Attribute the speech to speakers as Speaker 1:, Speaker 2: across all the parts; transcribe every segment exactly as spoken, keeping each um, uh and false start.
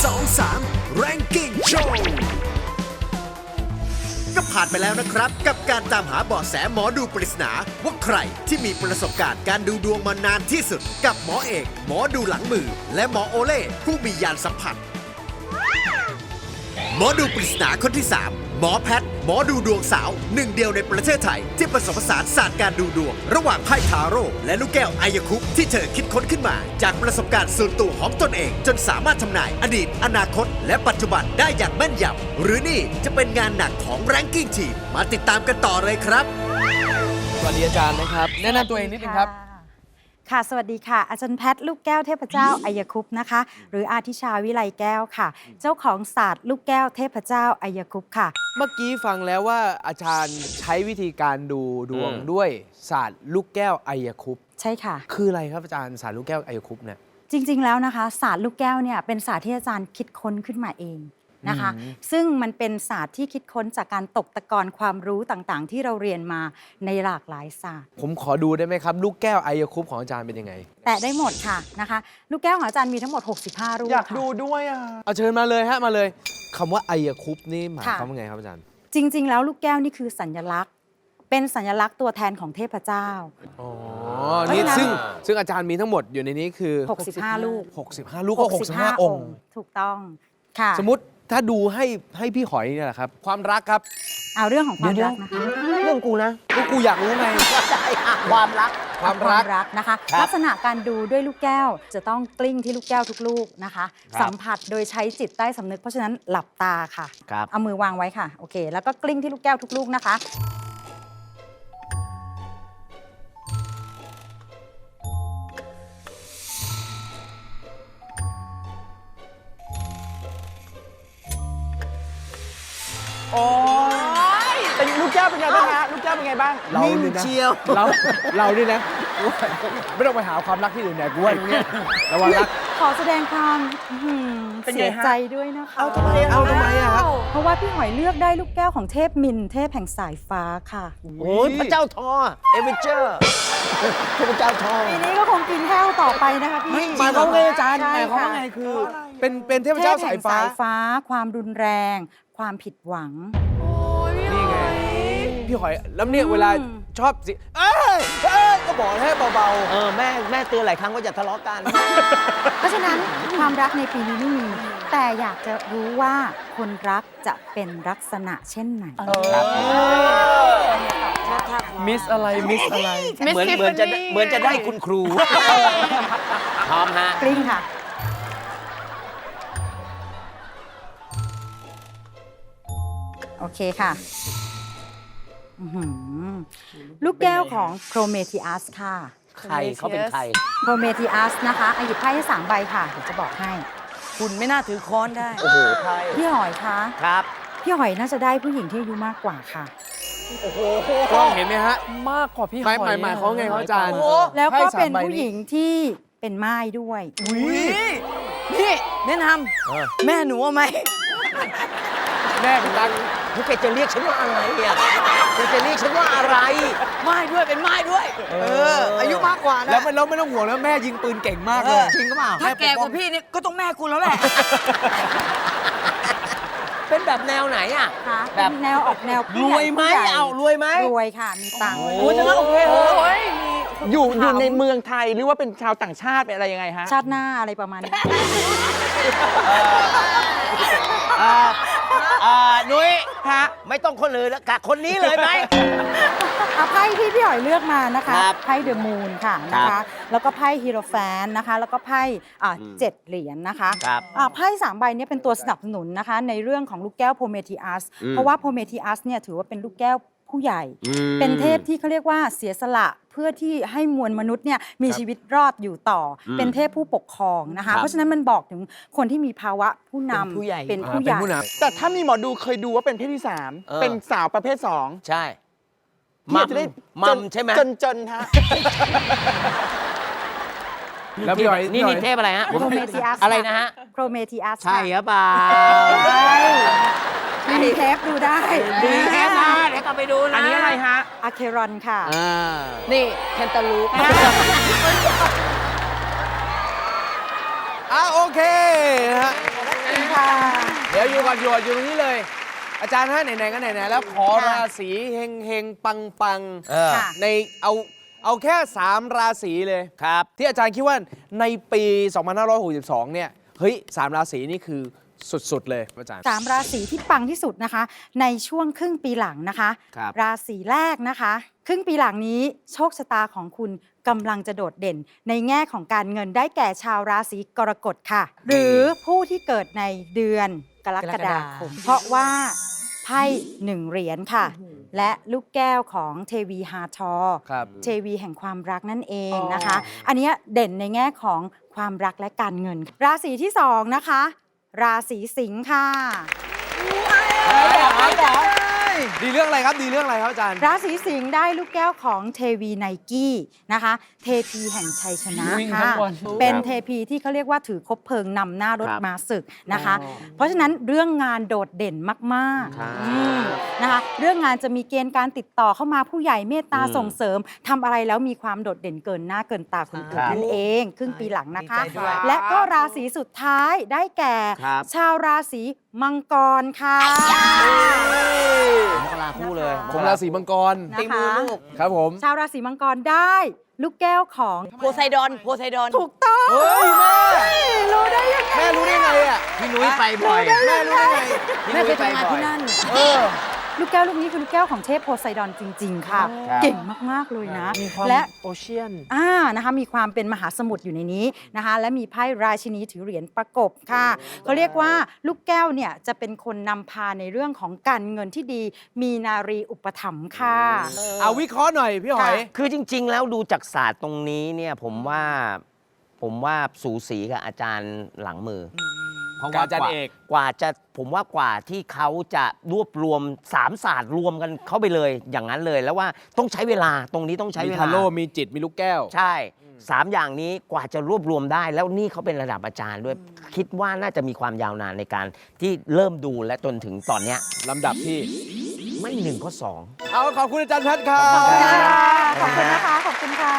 Speaker 1: สอง สาม Ranking Show ก็ผ่านไปแล้วนะครับกับการตามหาเบาะแสหมอดูปริศนาว่าใครที่มีประสบการณ์การดูดวงมานานที่สุดกับหมอเอกหมอดูหลังมือและหมอโอเล่ผู้มียานสัมผัสหมอดูปริศนาคนที่สามหมอแพทย์หมอดูดวงสาวหนึ่งเดียวในประเทศไทยที่ผสมผสานศาสตร์การดูดวงระหว่างไพ่ทาโร่และลูกแก้วไอยคุปที่เธอคิดค้นขึ้นมาจากประสบการณ์ส่วนตัวของตนเองจนสามารถทำนายอดีตอนาคตและปัจจุบันได้อย่างแม่นยำหรือนี่จะเป็นงานหนักของแรงกิ้งทีมมาติดตามกันต่อเลยครับ
Speaker 2: สวัสดีอาจารย์นะครับแนะนำตัวเองนิดนึงครับ
Speaker 3: ค่ะสวัสดีค่ะอาจารย์แพทย์ลูกแก้วเทพเจ้าอัยคุปต์นะคะหรืออาทิชาวิไลแก้วค่ะเจ้าของศาสตร์ลูกแก้วเทพเจ้าอัยคุปต์ค่ะ
Speaker 2: เมื่อกี้ฟังแล้วว่าอาจารย์ใช้วิธีการดูดวงด้วยศาสตร์ลูกแก้วอัยคุปต์
Speaker 3: ใช่ค่ะ
Speaker 2: คืออะไรครับอาจารย์ศาสตร์ลูกแก้วอัยคุปต์เนี่ย
Speaker 3: จริงๆแล้วนะคะศาสตร์ลูกแก้วเนี่ยเป็นศาสตร์ที่อาจารย์คิดค้นขึ้นมาเองนะคะซึ่งมันเป็นศาสตร์ที่คิดค้นจากการตกตะกอนความรู้ต่างๆที่เราเรียนมาในหลากหลายศาสตร์
Speaker 2: ผมขอดูได้ไหมครับลูกแก้วอัยคุปต์ของอาจารย์เป็นยังไง
Speaker 3: แต่ได้หมดค่ะนะคะลูกแก้วของอาจารย์มีทั้งหมดหกสิบห้ารูป
Speaker 4: อยากดูด้วยอ่ะ
Speaker 2: เอาเชิญมาเลยฮะมาเลยคำว่าอัยคุปต์นี่หมายความว่าไงครับอาจารย์
Speaker 3: จริงๆแล้วลูกแก้วนี่คือสัญลักษณ์เป็นสัญลักษณ์ตัวแทนของเทพเจ้า
Speaker 2: อ๋อนี่ซึ่งซึ่งอาจารย์มีทั้งหมดอยู่ในนี้คือ
Speaker 3: หกสิบห้าลูก
Speaker 2: หกสิบห้าลูกก็หกสิบห้าองค์
Speaker 3: ถูกต้องค่ะ
Speaker 2: สมมติถ้าดูให้ให้พี่หอยเนี่ยแหละครับความรักครับ
Speaker 3: เอาเรื่องของความรักนะคะ
Speaker 4: เรื่องกูนะ
Speaker 2: ก็กูอยากรู้ไง
Speaker 4: ความรัก
Speaker 2: ความรัก
Speaker 3: รักนะคะลักษณะการดูด้วยลูกแก้วจะต้องกลิ้งที่ลูกแก้วทุกลูกนะคะสัมผัสโดยใช้จิตใต้สำนึกเพราะฉะนั้นหลับตาค่ะเอามือวางไว้ค่ะโอเคแล้วก็กลิ้งที่ลูกแก้วทุกลูกนะคะ
Speaker 4: โอ้ยเป็นลูกแก้วเป็นไงบ้างฮะลูกแก้วเป็นไงบ้าง
Speaker 2: เราเนี่ยนะเราเราเนี่ยนะไม่ต้องไปหาความรักที่อื่นเนี่ยกูว่าตรงนี้ระวังรัก
Speaker 3: ขอแสดงความเสียใจด้วยนะคะ
Speaker 4: เอาทำไม
Speaker 2: เอาทำไมอะครับ
Speaker 3: เพราะว่าพี่หอยเลือกได้ลูกแก้วของเทพมินเทพแห่งสายฟ้าค่ะ
Speaker 4: โอ้ยพระเจ้าทอเอเวเจอร์พระเจ้าทอ
Speaker 3: ปีนี้ก็คงกินแห้วต่อไปนะคะพี่
Speaker 4: หมายความว่าไงอาจารย์หมายความว่าไงคือ
Speaker 2: เป็นเป็นเทพเจ้าสายฟ้า
Speaker 3: สายฟ้าความรุนแรงความผิดหวัง
Speaker 2: นี่ไงพี่หอยแล้วเนี่ยเวลาชอบสิเอ้ยเอ้ยก็บอกให้เบาๆ
Speaker 4: เออแม่แม่เตือนหลายครั้งว่าอย่าทะเลาะกัน
Speaker 3: เพราะฉะนั้นความรักในปีนี้ไม่มีแต่อยากจะรู้ว่าคนรักจะเป็นลักษณะเช่นไหน
Speaker 2: มิสอะไรมิสอะไร
Speaker 4: เหมือนเหมือนจะเหมือนจะได้คุณครูพร้อมฮะ
Speaker 3: กลิ้งค่ะโอเคค่ะลูกแก้วของโครเมทิอัสค่ะ
Speaker 4: ใครเขาเป็นใคร
Speaker 3: โครเมทิอัสนะคะหยิบไพ่ให้สามใบค่ะเดี๋ยวจะบอกให้
Speaker 4: คุณไม่น่าถือค้อนได้โอ้โหไพ่
Speaker 3: พี่หอยคะ
Speaker 4: ครับ
Speaker 3: พี่หอยน่าจะได้ผู้หญิงที่อายุมากกว่าค่ะ
Speaker 4: โอ้โห
Speaker 2: กล้องเห็นไหมฮะ
Speaker 4: มากกว่าพี่หอย
Speaker 2: หมายหมายเขาไงเขาอาจารย์
Speaker 3: แล้วก็เป็นผู้หญิงที่เป็นม่ายด้วย
Speaker 4: นี่แนะนำแม่หนูไหม
Speaker 2: แม่เป็นรัก
Speaker 4: พี่แกจะเรียกฉันว่าอะไรอ่ะแกจะเรียกฉันว่าอะไรไม้ด้วยเป็นไม้ด้วยเอออายุมากกว่านะ
Speaker 2: แล้วไม่แล้วไม่ต้องห่วงแล้วแม่ยิงปืนเก่งมากเลย
Speaker 4: จริงก็เปล่าถ้าแกกว่าพี่นี่ก็ต้องแม่กูแล้วแหละเป็นแบบแนวไหนอ่ะ
Speaker 3: แบบแนวออกแนว
Speaker 4: รวยไหมเอารวยไหม
Speaker 3: รวยค่ะมีตังค์
Speaker 4: โอ้ยโอเคเฮ้ยอยู่อยู่ในเมืองไทยหรือว่าเป็นชาวต่างชาติเป็นอะไรยังไงฮะ
Speaker 3: ชาติหน้าอะไรประมาณนี้
Speaker 4: นุ้ยฮะไม่ต้องคนเลยแล้วกะคนนี้เลยไหม
Speaker 3: ไพ่ที่พี่หอยเลือกมานะคะไพ่เดอะมูนค่ะนะคะแล้วก็ไพ่ฮีโรแฟนนะคะแล้วก็ไพ่เจ็ดเหรียญนะคะไพ่สามใบนี้เป็นตัวสนับสนุนนะคะในเรื่องของลูกแก้วโพเมทิอัสเพราะว่าโพเมทิอัสเนี่ยถือว่าเป็นลูกแก้วผู้ใหญ่เป็นเทพที่เขาเรียกว่าเสียสละเพื่อที่ให้มวลมนุษย์เนี่ยมีชีวิตรอดอยู่ต่อเป็นเทพผู้ปกครองนะคะเพราะฉะนั้นมันบอกถึงคนที่มีภาวะผู้นำเป็นผู้ใหญ่
Speaker 4: แต่ถ้ามีหมอดูเคยดูว่าเป็นเพศที่สามเป็นสาวประเภทสองใช่มัมมัมใช่ไหมจนจนฮะ
Speaker 2: แล้วพี่หอย
Speaker 4: นี่นี่เทพอะไรฮะ
Speaker 3: โครเมทิอัส
Speaker 4: อะไรนะฮะ
Speaker 3: โครเมทิอัส
Speaker 4: ใช่หรือเปล่า
Speaker 3: มีเทปดูได้
Speaker 4: มีเทปนะเดี๋ยวกลับไปดูนะอันนี้อะไรฮะ
Speaker 3: อะเครอนค่ะ
Speaker 4: นี่แคนตาลูป
Speaker 2: อ่ะโอเคนะฮะอยู่ก่อนอยู่ก่อนอยู่ตรงนี้เลย อาจารย์ฮะไหนๆก็ไหนๆแล้วขอราศีเฮงเฮงปังปังๆในเอาเอาแค่สามราศีเลยครับที่อาจารย์คิดว่าในปีสองพันห้าร้อยหกสิบสองเนี่ยเฮ้ยสามราศีนี่คือสุดๆเลยอาจารย์
Speaker 3: สามราศีที่ปังที่สุดนะคะในช่วงครึ่งปีหลังนะคะ
Speaker 2: ครับ
Speaker 3: ราศีแรกนะคะ ครึ่งปีหลังนี้โชคชะตาของคุณกำลังจะโดดเด่น ในแง่ของการเงินได้แก่ชาวราศีกรกฎค่ะ หรือผู้ที่เกิดในเดือนกรกฎาคมเพราะว่าไพ่หนึ่งเหรียญค่ะ และลูกแก้วของเทวีฮาทอ
Speaker 2: ครับ
Speaker 3: เทวีแห่งความรักนั่นเองนะคะ อันเนี้ยเด่นในแง่ของความรักและการเงิน ราศีที่สองนะคะ ราศีสิงค์ค่ะ
Speaker 2: ดีเรื่องอะไรครับดีเรื่องอะไรครับอาจารย์
Speaker 3: ราศีสิงห์ได้ลูกแก้วของเทวีไนกี้นะคะ เทพีแห่งชัยชนะค่ะเป็นเทพีที่เขาเรียกว่าถือคบเพลิงนำหน้ารถมาศึกนะคะ เพราะฉะนั้นเรื่องงานโดดเด่นมากๆอืมนะคะเรื่องงานจะมีเกณฑ์การติดต่อเข้ามาผู้ใหญ่เมตตาส่งเสริมทำอะไรแล้วมีความโดดเด่นเกินหน้าเกินตาคนอื่นนั่นเองครึ่งปีหลังนะคะ และก็ราศีสุดท้ายได้แก่ ชาวราศีมังกรค่ะ
Speaker 5: มกราคู่เลย
Speaker 2: ผมราศีมังกร
Speaker 3: นะคะ
Speaker 2: ครับผม
Speaker 3: ชาวราศีมังกรได้ลูกแก้วของ
Speaker 5: โพไซดอนโพไซดอน
Speaker 3: ถูกต้อง
Speaker 2: เฮ้ยแม่
Speaker 3: รู้ได้ยังไง
Speaker 2: แม่รู้ได้ไงอ่ะ
Speaker 5: พี่นุ้ยไปบ่อย
Speaker 2: แม่รู้ได้ไง
Speaker 5: แม่เคยทำงานที่นั่น
Speaker 2: เออ
Speaker 3: ลูกแก้วลูกนี้คือลูกแก้วของเทพโพไซดอนจริง ๆ ค่ะ เก่งมาก ๆ เลยนะ และ
Speaker 2: โอเชียน
Speaker 3: อ่านะคะมีความเป็นมหาสมุทรอยู่ในนี้นะคะ และมีไพ่ราชินีถือเหรียญประกบค่ะเขาเรียกว่าลูกแก้วเนี่ยจะเป็นคนนำพาในเรื่องของการเงินที่ดี มีนารีอุปถัมภ์ค่ะ
Speaker 2: เอาวิเคราะห์หน่อยพี่หอย
Speaker 5: คือจริง ๆ แล้วดูจากศาสตร์ตรงนี้เนี่ยผมว่าผมว่าสูสีกับอาจารย์หลังมืออเพราะว่า
Speaker 2: อาจารย์เอก
Speaker 5: กว่าจะผมว่ากว่าที่เขาจะรวบรวมสามศาสตร์รวมกันเข้าไปเลยอย่างนั้นเลย แล้วว่าต้องใช้เวลาตรงนี้ต้องใช้
Speaker 2: มี
Speaker 5: เวลา
Speaker 2: ทาโร่มีจิตมีลูกแก้ว
Speaker 5: ใช่สามอย่างนี้กว่าจะรวบรวมได้ แล้วนี่เขาเป็นระดับอาจารย์ด้วย คิดว่าน่าจะมีความยาวนานในการที่เริ่มดูและจนถึงตอนเนี้ย
Speaker 2: ลำดับที่
Speaker 5: ไม่หนึ่งก็สอง
Speaker 2: เอาขอบคุณอาจารย์แพทย์ครับ
Speaker 3: ขอบคุณนะคะ ขอบคุณค่ะ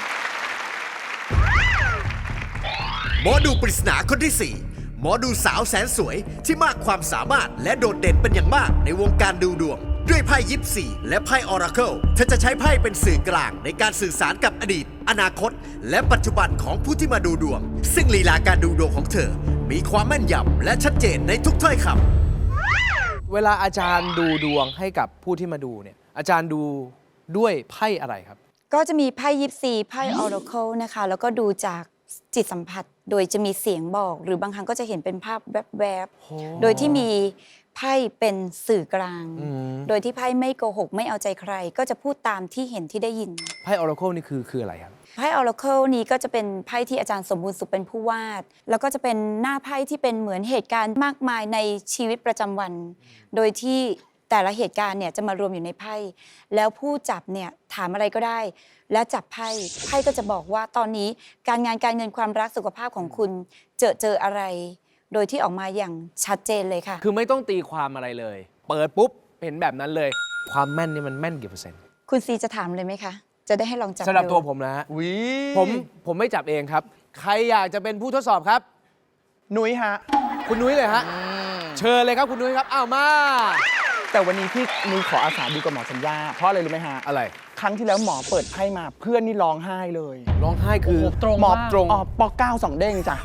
Speaker 1: หมอดูปริศนาคนที่สี่หมอดูสาวแสนสวยที่มากความสามารถและโดดเด่นเป็นอย่างมากในวงการดูดวง ด้วยไพ่ยิปซีและไพ่ออราเคิลเธอจะใช้ไพ่เป็นสื่อกลางในการสื่อสารกับอดีต อนาคต และปัจจุบันของผู้ที่มาดูดวง ซึ่งลีลาการดูดวงของเธอ มีความแม่นยำและชัดเจนในทุกถ้อยคำ
Speaker 2: เวลาอาจารย์ดูดวงให้กับผู้ที่มาดูเนี่ยอาจารย์ดูด้วยไพ่อะไรครับ
Speaker 6: ก็จะมีไพ่ยิปซีไพ่ออราเคิลนะคะแล้วก็ดูจากจิตสัมผัส โดยจะมีเสียงบอก หรือบางครั้งก็จะเห็นเป็นภาพแวบๆโดยที่มีไพ่เป็นสื่อกลาง โดยที่ไพ่ไม่โกหกไม่เอาใจใคร ก็จะพูดตามที่เห็นที่ได้ยิน
Speaker 2: ไพ่ออราเคิลนี่คือคืออะไรครับ
Speaker 6: ไพ่ออราเคิลนี้ก็จะเป็นไพ่ที่อาจารย์สมบูรณ์สุขเป็นผู้วาด แล้วก็จะเป็นหน้าไพ่ที่เป็นเหมือนเหตุการณ์มากมายในชีวิตประจำวัน โดยที่แต่ละเหตุการณ์เนี่ยจะมารวมอยู่ในไพ่แล้วผู้จับเนี่ยถามอะไรก็ได้ แล้วจับไพ่ไพ่ก็จะบอกว่าตอนนี้การงานการเงินความรักสุขภาพของคุณเจอเจออะไร โดยที่ออกมาอย่างชัดเจนเลยค่ะ
Speaker 2: คือไม่ต้องตีความอะไรเลย เปิดปุ๊บเห็นแบบนั้นเลย ความแม่นนี่มันแม่นกี่เปอร์เซ็นต์
Speaker 6: คุณซีจะถามเลยไหมคะ จะได้ให้ลองจับ
Speaker 2: สำหรับ
Speaker 6: ดู
Speaker 2: ตัวผมนะฮะผมผมไม่จับเองครับ ใครอยากจะเป็นผู้ทดสอบครับ
Speaker 4: นุ้ยฮะ
Speaker 2: คุณนุ้ยเลยฮะเชิญเลยครับคุณนุ้ยครับอ้าวมา
Speaker 4: แต่วันนี้พี่นุ้ยขออาสาดูกับหมอสัญญา เพราะอะไรรู้ไหมฮะ
Speaker 2: อะไร
Speaker 4: ครั้งที่แล้วหมอเปิดไพ่มาเพื่อนนี่ร้องไห้เลย
Speaker 2: ร้องไห้คือ
Speaker 4: หมอตรงอ๋อปอเก้าสองเด้งจ้ะ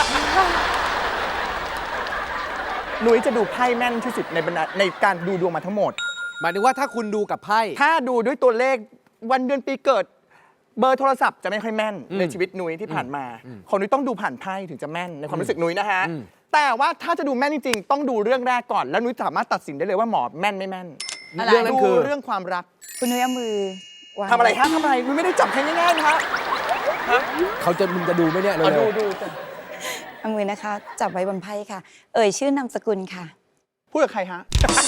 Speaker 4: นุ้ยจะดูไพ่แม่นที่สุดในบรรดาในการดูดวงมาทั้งหมด
Speaker 2: หมายถึงว่าถ้าคุณดูกับไพ่
Speaker 4: ถ้าดูด้วยตัวเลขวันเดือนปีเกิด เบอร์โทรศัพท์จะไม่ค่อยแม่น
Speaker 2: อืม
Speaker 4: ในชีวิตนุ้ยที่ผ่านมา
Speaker 2: อืม
Speaker 4: ของนุ้ยต้องดูผ่านไพ่ถึงจะแม่นในความรู้สึกนุ้ยนะฮะ
Speaker 2: อืม
Speaker 4: แต่ว่าถ้าจะดูแม่นจริงๆ ต้องดูเรื่องแรกก่อน แล้วนุ้ยสามารถตัดสินได้เลยว่าหมอแม่นไม่แม่น
Speaker 2: เรื่องนั้น
Speaker 4: ดู
Speaker 2: คือ
Speaker 4: เรื่องความรัก
Speaker 6: คุณนุ้ยเอามือวาง
Speaker 4: ทำอะไรฮะทำอะไรนุ้ยไม่ได้จับใครง่ายๆนะฮะ
Speaker 2: เขาจะมึงจะดูไหมเนี่ย
Speaker 4: เอา
Speaker 2: เร็
Speaker 4: ดู
Speaker 2: ว
Speaker 4: ดู
Speaker 6: เอามือนะคะ จับไว้บนไพ่ค่ะ เอ่ยชื่อนามสกุลค่ะ
Speaker 4: พูดกับใครฮะ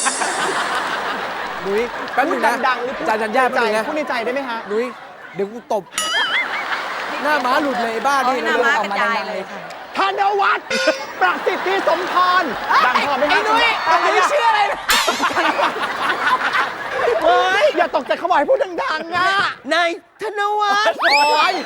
Speaker 2: ๆนุ้ยแป๊บ
Speaker 4: พู
Speaker 2: นึ
Speaker 4: ด
Speaker 2: งนะ
Speaker 4: ดังๆหรือพูด
Speaker 2: จานจันย่า
Speaker 4: ใน
Speaker 2: แป๊บ
Speaker 4: ใจ
Speaker 2: นึงนะ
Speaker 4: พูดในใจได้ไหมฮะ
Speaker 2: นุ้ยเดี๋ยวกูตบ หน้าม้าหลุดเลยไอ้บ้านี่
Speaker 6: หน้าม้ากระจายเลยค่ะ
Speaker 4: ธนวัฒน์ประสิทธิสมพรดังพอไหมฮะ
Speaker 2: ไอ้นุ้ยไอ้นุ้ยชื่ออะไรนะ
Speaker 4: เฮ้ย อย่าตกใจเขาบอกให้พูดดังๆอ่ะ
Speaker 5: นายธนวัฒน์
Speaker 4: โอ้ย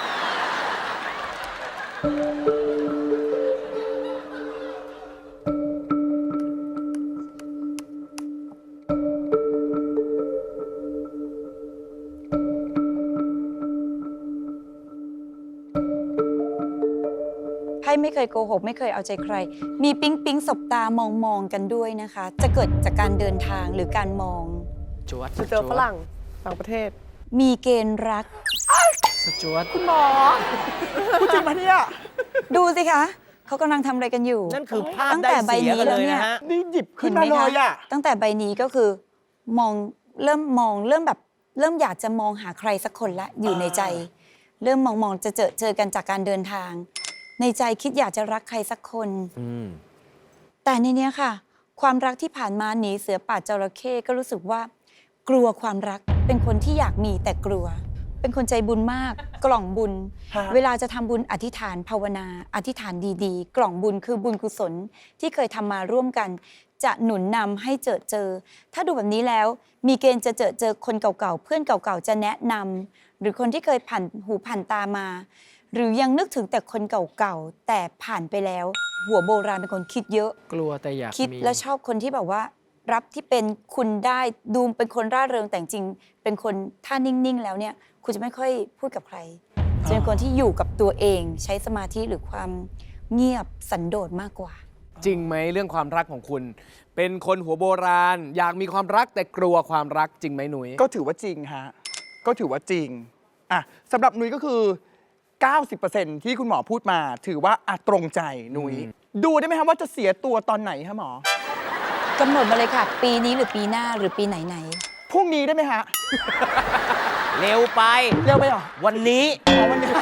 Speaker 6: ไพ่ไม่เคยโกหกไม่เคยเอาใจใคร มีปิ๊งปิ๊งสบตามองมองกันด้วยนะคะ จะเกิดจากการเดินทางหรือการมอง
Speaker 2: จวด
Speaker 4: จะเจอฝรั่งต่างประเทศ
Speaker 6: มีเกณฑ์รัก
Speaker 2: สจวด
Speaker 4: คุณหมอพูดจริงปะเนี่ย
Speaker 6: ดูสิคะเขากำลังทำอะไรกันอยู่
Speaker 5: นั่นคือภาพ
Speaker 6: ตั้ง
Speaker 5: ได้
Speaker 6: แต่ใบ
Speaker 5: เสีย
Speaker 6: นี้
Speaker 5: กัน
Speaker 6: แล้
Speaker 5: เล
Speaker 6: วย เนี่ย
Speaker 5: นะฮะ
Speaker 4: นี่หยิบขึ้
Speaker 6: เห็
Speaker 4: น
Speaker 6: นไห
Speaker 4: มาม เล
Speaker 6: คะ
Speaker 4: ยอ่ะ
Speaker 6: ตั้งแต่ใบนี้ก็คือมองเริ่มมองเริ่มแบบเริ่มอยากจะมองหาใครสักคนละอยู่ในใจ เริ่มมองมองจะเจอเจอกันจากการเดินทาง ในใจคิดอยากจะรักใครสักคน แต่ในเนี้ยค่ะ ความรักที่ผ่านมาหนีเสือป่าจระเข้ก็รู้สึกว่า กลัวความรักเป็นคนที่อยากมีแต่กลัว เป็นคนใจบุญมาก กล่องบุญ
Speaker 4: ฮะ
Speaker 6: เวลาจะทำบุญอธิษฐานภาวนา อธิษฐานดีๆ กล่องบุญคือบุญกุศลที่เคยทำมาร่วมกัน จะหนุนนำให้เจอเจอ ถ้าดูแบบนี้แล้ว มีเกณฑ์จะเจอเจอคนเก่าๆเพื่อนเก่าๆจะแนะนำหรือคนที่เคยผ่านหูผ่านตามา หรือยังนึกถึงแต่คนเก่าๆแต่ผ่านไปแล้ว หัวโบราณเป็นคนคิดเยอะ
Speaker 2: กลัวแต่อยาก
Speaker 6: คิด
Speaker 2: มี
Speaker 6: แล้วชอบคนที่แบบว่า รับที่เป็นคุณได้ดูเป็นคนร่าเริงแต่จริงๆเป็นคนถ้านิ่งๆแล้วเนี่ยคุณจะไม่ค่อยพูดกับใครจะเป็นคนที่อยู่กับตัวเองใช้สมาธิหรือความเงียบสันโดษมากกว่า
Speaker 2: จริงไหมเรื่องความรักของคุณ เป็นคนหัวโบราณ อยากมีความรักแต่กลัวความรักจริงไหมหนุย
Speaker 4: ก็ถือว่าจริงฮะ ก็ถือว่าจริง อ่ะสำหรับนุ้ยก็คือ เก้าสิบเปอร์เซ็นต์ ที่คุณหมอพูดมา ถือว่าอ่ะตรงใจนุ้ย ดูได้ไหมครับว่าจะเสียตัวตอนไหนฮะหมอ
Speaker 6: กำหนดมาเลยค่ะ ปีนี้หรือปีหน้าหรือปีไหนไหน
Speaker 4: พรุ่งนี้ได้ไหมฮะ
Speaker 5: เร็วไป
Speaker 4: เร็วไปเหรอ
Speaker 5: วันนี้
Speaker 4: อ๋อวันนี้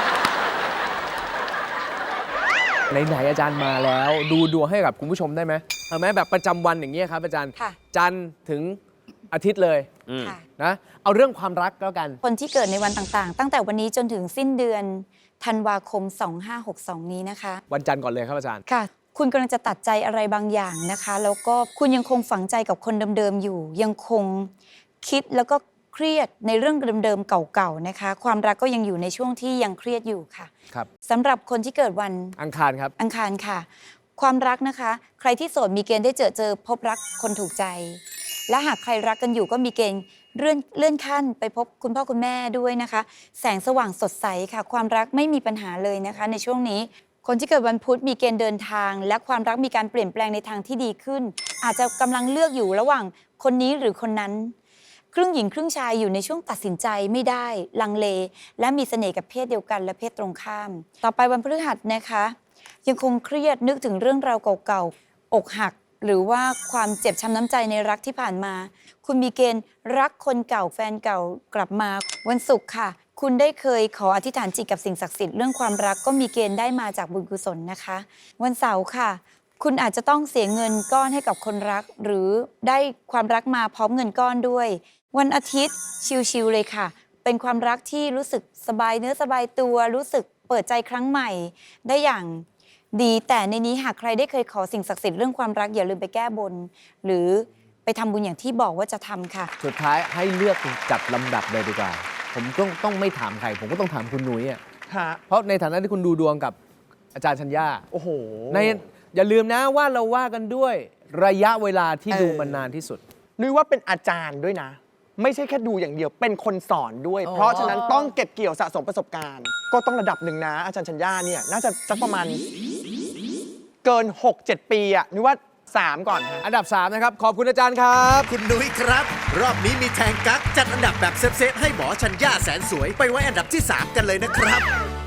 Speaker 2: ไหนๆอาจารย์มาแล้ว ดูดวงให้กับคุณผู้ชมได้ไหมเอาไหมแบบประจำวันอย่างเงี้ยครับอาจารย์
Speaker 6: ค่ะ
Speaker 2: จันทร์ถึงอาทิตย์เลย
Speaker 6: ค่ะ
Speaker 2: นะเอาเรื่องความรักแล้วกัน
Speaker 6: คนที่เกิดในวันต่างๆ ตั้งแต่วันนี้จนถึงสิ้นเดือนธันวาคม สองห้าหกสอง นี้นะคะ
Speaker 2: วันจันทร์ก่อนเลยครับอาจารย์
Speaker 6: ค่ะ คุณกำลังจะตัดใจอะไรบางอย่างนะคะ แล้วก็คุณยังคงฝังใจกับคนเดิมๆอยู่ ยังคงคิดแล้วก็เครียดในเรื่องเดิมๆเก่าๆนะคะ ความรักก็ยังอยู่ในช่วงที่ยังเครียดอยู่ค่ะ
Speaker 2: ครับ
Speaker 6: สำหรับคนที่เกิดวัน
Speaker 2: อังคารครับ
Speaker 6: อังคารค่ะ ความรักนะคะ ใครที่โสดมีเกณฑ์ได้เจอเจอพบรักคนถูกใจ และหากใครรักกันอยู่ก็มีเกณฑ์เลื่อนเลื่อนขั้นไปพบคุณพ่อคุณแม่ด้วยนะคะ แสงสว่างสดใสค่ะ ความรักไม่มีปัญหาเลยนะคะ ในช่วงนี้ คนที่เกิดวันพุธมีเกณฑ์เดินทาง และความรักมีการเปลี่ยนแปลงในทางที่ดีขึ้น อาจจะกำลังเลือกอยู่ระหว่างคนนี้หรือคนนั้น ครึ่งหญิงครึ่งชายอยู่ในช่วงตัดสินใจไม่ได้ลังเล และมีเสน่ห์กับเพศเดียวกันและเพศตรงข้าม ต่อไปวันพฤหัสนะคะ ยังคงเครียดนึกถึงเรื่องราวเก่าๆอกหัก หรือว่าความเจ็บช้ำน้ำใจในรักที่ผ่านมา คุณมีเกณฑ์รักคนเก่าแฟนเก่ากลับมาวันศุกร์ค่ะ คุณได้เคยขออธิษฐานจิตกับสิ่งศักดิ์สิทธิ์เรื่องความรักก็มีเกณฑ์ได้มาจากบุญกุศลนะคะ วันเสาร์ค่ะ คุณอาจจะต้องเสียเงินก้อนให้กับคนรัก หรือได้ความรักมาพร้อมเงินก้อนด้วย วันอาทิตย์ชิลๆเลยค่ะ เป็นความรักที่รู้สึกสบายเนื้อสบายตัวรู้สึกเปิดใจครั้งใหม่ ได้อย่างดีแต่ในนี้หากใครได้เคยขอสิ่งศักดิ์สิทธิ์เรื่องความรักอย่าลืมไปแก้บน หรือไปทำบุญอย่างที่บอกว่าจะทำค่ะ
Speaker 2: สุดท้ายให้เลือกจัดลำดับเลยดีกว่า ผมต้องต้องไม่ถามใคร ผมก็ต้องถามคุณหนุยอ่ะ
Speaker 4: ฮะ
Speaker 2: เพราะในฐานะที่คุณดูดวงกับอาจารย์ชัญญา
Speaker 4: โอ้โห
Speaker 2: ในอย่าลืมนะว่าเราว่ากันด้วยระยะเวลาที่
Speaker 4: เออ
Speaker 2: ดูมันนานที่สุด
Speaker 4: นุ้ยว่าเป็นอาจารย์ด้วยนะ ไม่ใช่แค่ดูอย่างเดียวเป็นคนสอนด้วย
Speaker 2: อ๋อ
Speaker 4: เพราะฉะนั้นต้องเก็บเกี่ยวสะสมประสบการณ์ ก็ต้องระดับหนึ่งนะ อาจารย์ชัญญาเนี่ยน่าจะสักประมาณเกิน หกเจ็ด ปีอะนุ้ยว่าสามก่อนฮะ
Speaker 2: อันดับสามนะครับขอบคุณอาจารย์ครับ
Speaker 1: คุณนุ้ยครับ รอบนี้มีแทงกั๊กจัดอันดับแบบเซฟๆให้หมอชัญญาแสนสวย ไปไว้อันดับที่ สาม กันเลยนะครับ